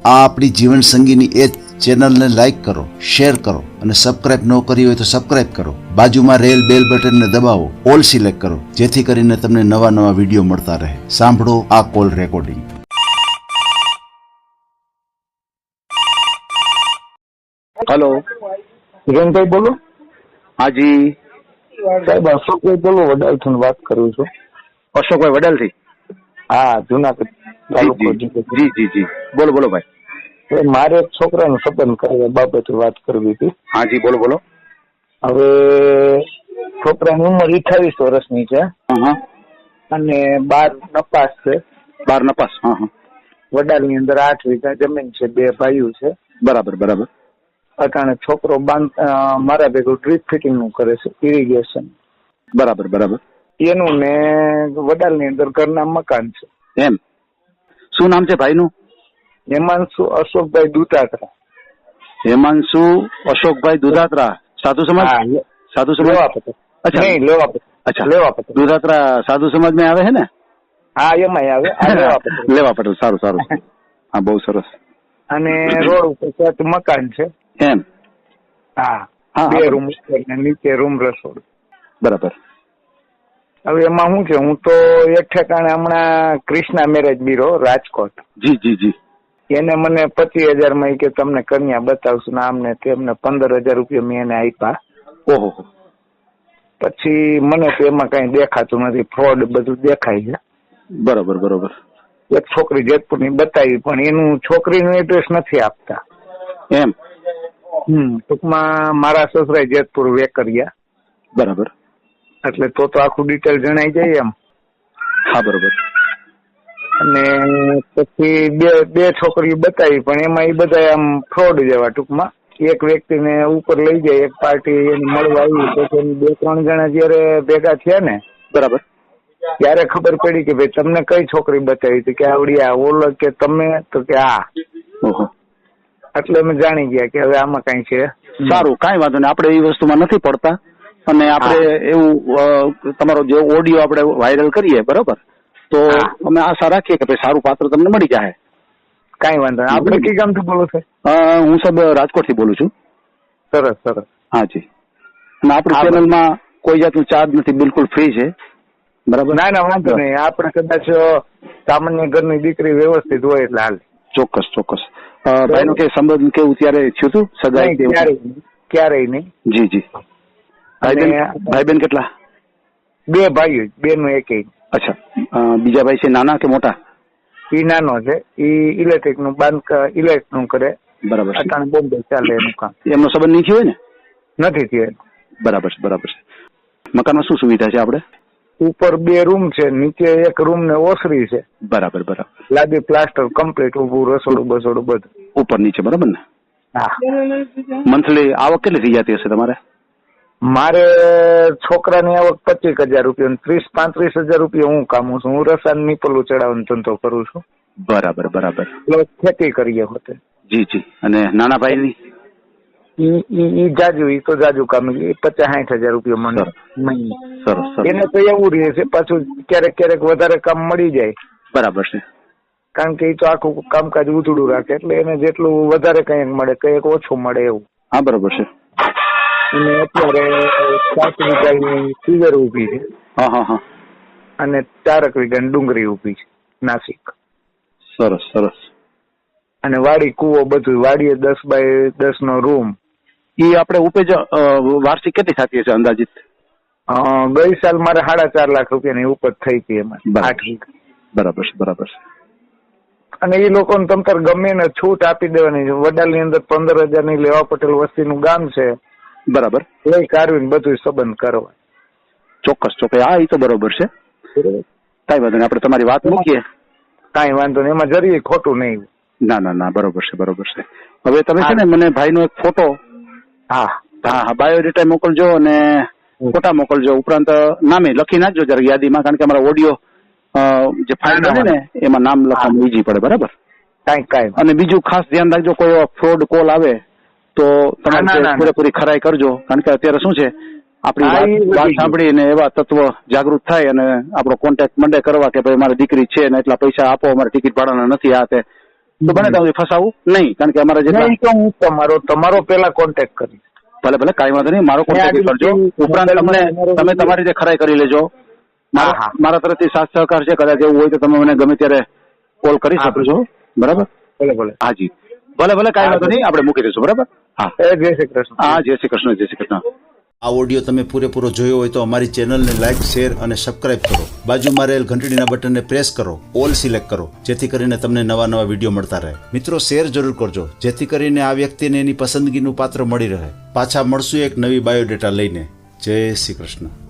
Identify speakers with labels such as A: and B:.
A: આ આપણી જીવન સંગીની એ ચેનલને લાઈક કરો, શેર કરો અને સબસ્ક્રાઇબ ન કરી હોય તો સબસ્ક્રાઇબ કરો. બાજુમાં રહેલ બેલ બટનને દબાવો, ઓલ સિલેક્ટ કરો, જેથી કરીને તમને નવા નવા વિડીયો મળતા રહે. સાંભળો આ કોલ રેકોર્ડિંગ.
B: હેલો,
C: હિરેનભાઈ બોલો.
B: હાજી
C: સાહેબ અશોકભાઈ બોલો, વડાલથી વાત કરું છું.
B: અશોકભાઈ વડાલથી?
C: હા, જુનાગઢ તાલુકો.
B: જી જી જી, બોલો બોલો ભાઈ.
C: મારે એક છોકરાનો સંબંધ કરવા બાબતે વાત કરવી હતી.
B: હાજી બોલો બોલો.
C: હવે છોકરાની ઉંમર 28 વર્ષની છે અને 12 નપાસ છે.
B: 12 નપાસ? હા.
C: વડાલની અંદર 8 વીઘા જમીન છે, 2 ભાઈઓ છે.
B: બરાબર બરાબર.
C: અટાણે છોકરો મારા ભેગું ડ્રીપ ફિટિંગ નું કરે છે, ઇરિગેશન.
B: બરાબર બરાબર.
C: એનું ને વડાલની અંદર ઘરના મકાન છે.
B: એમ? શું નામ છે ભાઈનું?
C: હેમાંશુ અશોકભાઈ દુધાત્રા.
B: હેમાંશુ અશોકભાઈ દુધાત્રા. સાધુ સમાજ? સાધુ સમાજ?
C: અચ્છા, નહીં લેવા પટેલ.
B: અચ્છા,
C: લેવા પટેલ.
B: દુધાત્રા સાધુ સમાજ માં આવે છે ને?
C: હા, એમાં આવે. લેવા પટેલ.
B: લેવા પટેલ. સારું સારું. હા, બહુ સરસ.
C: અને રોડ ઉપર મકાન છે.
B: એમ?
C: હા,
B: હા,
C: 2 રૂમ ને નીચે રૂમ રસોડું.
B: બરાબર.
C: હવે એમાં શું છે, હું તો એક ઠેકાણે હમણાં કૃષ્ણા મેરેજ બ્યુરો રાજકોટ.
B: જી જી જી.
C: એને મને 25,000 માં કે તમને કન્યા બતાવશું ને આમને તેમને 15,000 રૂપિયા મેં એને આપ્યા.
B: ઓહો.
C: પછી મને તો એમાં કઈ દેખાતું નથી, ફ્રોડ બધું દેખાય છે.
B: બરોબર બરોબર.
C: એક છોકરી જેતપુરની બતાવી, પણ એનું છોકરીનું એડ્રેસ નથી આપતા.
B: એમ?
C: ટૂંકમાં મારા સસરાએ જેતપુર વેકરિયા.
B: બરાબર.
C: એટલે તો આખું ડિટેલ જણાઈ જાય એમ.
B: હા, બરોબર.
C: અને પછી બે છોકરીઓ બતાવી, પણ એમાં એ બધા આમ ફ્રોડ જેવા. ટૂંકમાં એક વ્યક્તિને ઉપર લઈ જાય, એક પાર્ટી એને મળવા આવી, પછી 2-3 જણા જયારે ભેગા થયા ને,
B: બરાબર,
C: ત્યારે ખબર પડી કે ભાઈ તમને કઈ છોકરી બતાવી હતી, કે આવડી આ ઓલો, કે તમે, તો કે આ. એટલે અમે જાણી ગયા કે હવે આમાં કઈ છે.
B: સારું, કઈ વાંધો નહીં. આપણે એ વસ્તુમાં નથી પડતા અને આપણે એવું તમારો જે ઓડિયો આપણે વાયરલ કરીએ, બરોબર, તો અમે આશા રાખીએ કે ભાઈ સારું પાત્ર તમને મળી જાય.
C: કઈ વાંધો નહીં. આપણે કઈ ગામથી બોલો છો?
B: હું સાહેબ રાજકોટ થી બોલું છું.
C: સરસ સરસ.
B: હાજી. અને આપણી ચેનલમાં કોઈ જાતનું ચાર્જ નથી, બિલકુલ ફ્રી છે. બરાબર?
C: ના ના, વાંધો નહીં. આપણે કદાચ સામાન્ય ઘરની દીકરી વ્યવસ્થિત હોય એટલે હાલ.
B: ચોક્કસ ચોક્કસ. ભાઈ નું કે સંબંધ કેવું ત્યારે થયું હતું? સગાઈ?
C: ક્યારેય નહીં.
B: જી જી. ભાઈ બેન કેટલા?
C: 2 ભાઈઓ, 2 નું 1.
B: અચ્છા. બીજા ભાઈ છે નાના કે મોટા?
C: ઈ નાનો છે, ઈ ઇલેક્ટ્રિક નું ઇલેક્ટ્રિક નું કરે.
B: બરાબર.
C: અટાણે બોમ્બે ચાલે એનું કામ.
B: એમનો સંબંધ નહીં થયો હોય ને?
C: નથી થયો.
B: બરાબર છે બરાબર છે. મકાનમાં શું સુવિધા છે આપણે?
C: ઉપર 2 રૂમ છે, નીચે 1 રૂમ ને ઓસરી છે.
B: બરાબર બરાબર.
C: લાદી પ્લાસ્ટર કમ્પ્લીટ, ઉભું રસોડું બસોડું બધું
B: ઉપર નીચે. બરાબર ને?
C: હા.
B: મંથલી આવક કેટલી થઈ જતી હશે તમારે?
C: મારે છોકરાની આવક 25,000 રૂપિયા, 30-35,000 રૂપિયા હું કામું છું. હું રસાયણ નીપલું ચડાવવાનો ધંધો કરું છું.
B: બરાબર બરાબર.
C: ખેતી કરીએ હોતે.
B: જી જી. અને નાના ભાઈ ની?
C: ઈ તો જાજુ કામ, 50-60,000 રૂપિયા મને મહિને.
B: સરસ.
C: એને તો એવું રહે છે, પાછું ક્યારેક વધારે કામ મળી જાય.
B: બરાબર છે.
C: કારણ કે એ તો આખું કામકાજ ઉધડું રાખે, એટલે એને જેટલું વધારે કંઈક મળે, કંઈક ઓછું મળે એવું.
B: હા, બરોબર છે.
C: અને અત્યારે 7 વીઘાની સીવર ઉભી છે.
B: હા.
C: અને 4 વીઘાની ડુંગળી ઉભી છે નાસિક.
B: સરસ સરસ.
C: અને વાડી કુવો બધું. વાડીએ 10x10 નો રૂમ.
B: એ આપણે ઉપેજ વાર્ષિક કેટલી થતી હશે અંદાજિત?
C: ગઈ સાલ મારે 4.5 લાખ રૂપિયાની ઉપજ થઈ હતી એમાં. 8 વીઘા.
B: બરાબર છે બરાબર છે.
C: અને એ લોકોને તમતાર ગમે ને છૂટ આપી દેવાની છે. વડાલની અંદર 15,000 ની લેવા પટેલ વસ્તીનું ગામ છે.
B: બરાબર.
C: લઈ કાઢવીને બધું સંબંધ કરવા.
B: ચોક્કસ ચોક્કસ. હા, એ તો બરોબર છે. કઈ વાંધો નહીં, આપણે તમારી વાત મૂકીએ.
C: કઈ વાંધો નહીં, એમાં જરી ખોટું નહીં.
B: ના, બરોબર છે બરોબર છે. હવે તમે છે ને મને ભાઈનો એક ફોટો, હા, બાયોડેટા મોકલજો અને ફોટા મોકલજો. ઉપરાંત નામે લખી નાખજો જરા યાદીમાં, કારણ કે અમારા ઓડિયો જે ફાઇલ બને ને એમાં નામ લખવાનું ઈજી પડે. બરાબર?
C: કાંઈ.
B: અને બીજું ખાસ ધ્યાન રાખજો, કોઈ ફ્રોડ કોલ આવે તો તમારે પૂરેપૂરી ખરાઈ કરજો, કારણ કે અત્યારે શું છે, આપણી વાત સાંભળીને એવા તત્વ જાગૃત થાય અને આપણો કોન્ટેક્ટ મંડે કરવા કે ભાઈ મારી દીકરી છે ને એટલા પૈસા આપો, અમારે ટિકિટ ભાડાના નથી આ તે. તો બને ત્યાં સુધી ફસાવું નહીં, કારણ કે અમારા જેટલા
C: નહીં તો હું તમારો પેલા કોન્ટેક્ટ કરીશ.
B: ભલે ભલે કાંઈ વાંધો નહીં, મારો કોન્ટેક્ટ કરજો. ઉપરાંત તમે તમારી રીતે ખરાઈ કરી લેજો.
C: હા.
B: મારા તરફથી સાથ સહકાર છે, કદાચ એવું હોય તો તમે મને ગમે ત્યારે કોલ કરી શકો છો. બરાબર?
C: ભલે.
B: હાજી, ભલે કાંઈ વાંધો નહીં, આપણે મૂકી દઈશું. બરાબર? હા,
C: જય શ્રી કૃષ્ણ.
B: હા, જય શ્રી કૃષ્ણ, જય શ્રી કૃષ્ણ.
A: આ ઓડિયો તમે પૂરેપૂરો જોયો હોય તો અમારી ચેનલને લાઇક, શેર અને સબસ્ક્રાઇબ કરો. બાજુમાં રહેલ ઘંટડીના બટનને પ્રેસ કરો, ઓલ સિલેક્ટ કરો, જેથી કરીને તમને નવા વિડીયો મળતા રહે. મિત્રો, શેર જરૂર કરજો, જેથી કરીને આ વ્યક્તિને એની પસંદગીનું પાત્ર મળી રહે. પાછા મળશું એક નવી બાયોડેટા લઈને. જય શ્રી કૃષ્ણ.